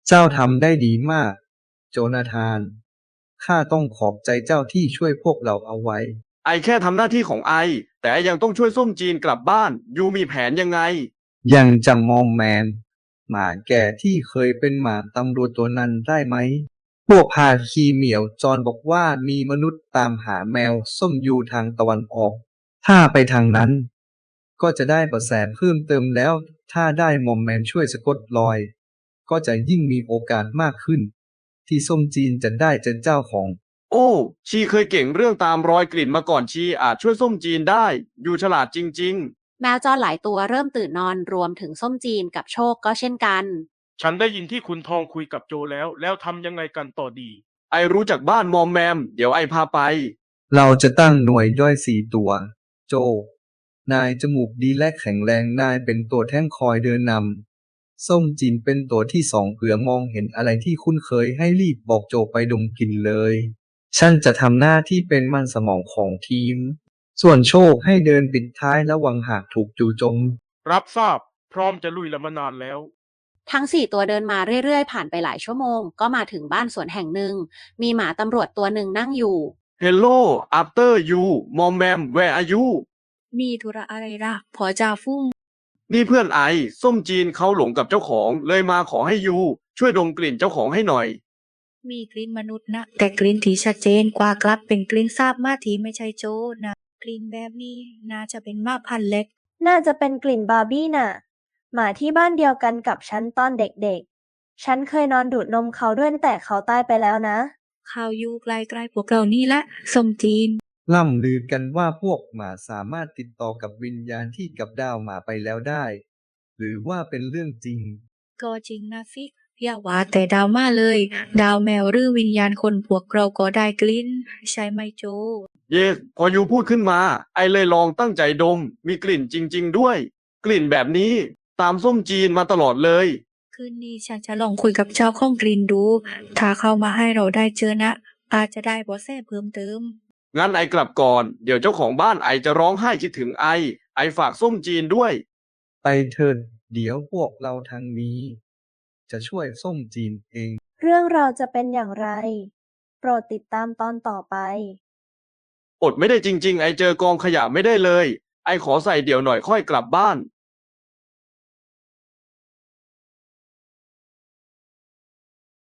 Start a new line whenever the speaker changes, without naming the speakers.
เจ้าทำได้ดีมากโจนาธานข้าต้องขอบใจเจ้าที่ช่วยพวกเราเอาไว้
ไอแค่ทำหน้าที่ของไอแต่ยังต้องช่วยส้มจีนกลับบ้านยูมีแผนยังไง
ยังจำมอมแมนหมาแก่ที่เคยเป็นหมาตำรวจตัวนั้นได้ไหมพวกพาคีเหมียวจรบอกว่ามีมนุษย์ตามหาแมวส้มอยู่ทางตะวันออกถ้าไปทางนั้นก็จะได้เบาะแสเพิ่มเติมแล้วถ้าได้มอมแมนช่วยสะกดรอยก็จะยิ่งมีโอกาสมากขึ้นที่ส้มจีนจะได้เป็นเจ้าของ
โอ้ชีเคยเก่งเรื่องตามรอยกลิ่นมาก่อนชีอาจช่วยส้มจีนได้ยูฉลาดจริง
แมวจรหลายตัวเริ่มตื่นนอนรวมถึงส้มจีนกับโชคก็เช่นกัน
ฉันได้ยินที่คุณทองคุยกับโจแล้วทำยังไงกันต่อดี
ๆไอรู้จักบ้านมอมแมมเดี๋ยวไอพาไป
เราจะตั้งหน่วยย่อย4 ตัวโจนายจมูกดีและแข็งแรงนายเป็นตัวแท่งคอยเดินนำส้มจีนเป็นตัวที่2เผื่อมองเห็นอะไรที่คุ้นเคยให้รีบบอกโจไปดมกลิ่นเลยฉันจะทำหน้าที่เป็นมันสมองของทีมส่วนโชคให้เดินปิดท้ายระวังหากถูกจู่โจม
รับทราบพร้อมจะลุยละมานานแล้ว
ทั้ง4 ตัวเดินมาเรื่อยๆผ่านไปหลายชั่วโมงก็มาถึงบ้านสวนแห่งหนึ่งมีหมาตำรวจตัวหนึ่งนั่งอยู่
Hello after you มอมแมม where are you
มีธุระอะไรล่ะพอจ่าฟุ้ง
นี่เพื่อนไอส้มจีนเขาหลงกับเจ้าของเลยมาขอให้ยูช่วยดมกลิ่นเจ้าของให้หน่อย
มีกลิ่นมนุษย์นะแต่กลิ่นที่ชัดเจนกว่ากลับเป็นกลิ่นซาบมาที่ไม่ใช่โจนะกลิ่นแบบนี้น่าจะเป็นหมาพันธุ์เล็ก
น่าจะเป็นกลิ่นบาร์บี้น่ะหมาที่บ้านเดียวกันกับฉันตอนเด็กๆฉันเคยนอนดูดนมเขาด้วยแต่เขาตายไปแล้วนะ
ข่าวอยู่ใกล้ๆพวกเรานี่ละส้มจีน
ล่ำลือกันว่าพวกหมาสามารถติดต่อกับวิญญาณที่กับดาวหมาไปแล้วได้หรือว่าเป็นเรื่องจริง
ก็จริงนะสิอย่าว่าแต่ดาวมาเลย ดาวแมวหรือวิญญาณคนพวกเราก็ได้กลิ่นใช่ไหมโจ
เยสพอยูพูดขึ้นมาไอเลยลองตั้งใจดมมีกลิ่นจริงๆด้วยกลิ่นแบบนี้ตามส้มจีนมาตลอดเลย
คืนนี้ฉันจะลองคุยกับเจ้าของกลิ่นดู ถ้าเข้ามาให้เราได้เจอนะอาจจะได้เบาะแสเพิ่มเติม
งั้นไอกลับก่อนเดี๋ยวเจ้าของบ้านไอจะร้องไห้คิดถึงไอฝากส้มจีนด้วย
ไปเถิดเดี๋ยวพวกเราทางนี้จะช่วยส้มจีนเอง
เรื่องราวจะเป็นอย่างไรโปรดติดตามตอนต่อไป
อดไม่ได้จริงๆไอเจอกองขยะไม่ได้เลยไอขอใส่เดี๋ยวหน่อยค่อยกลับบ้าน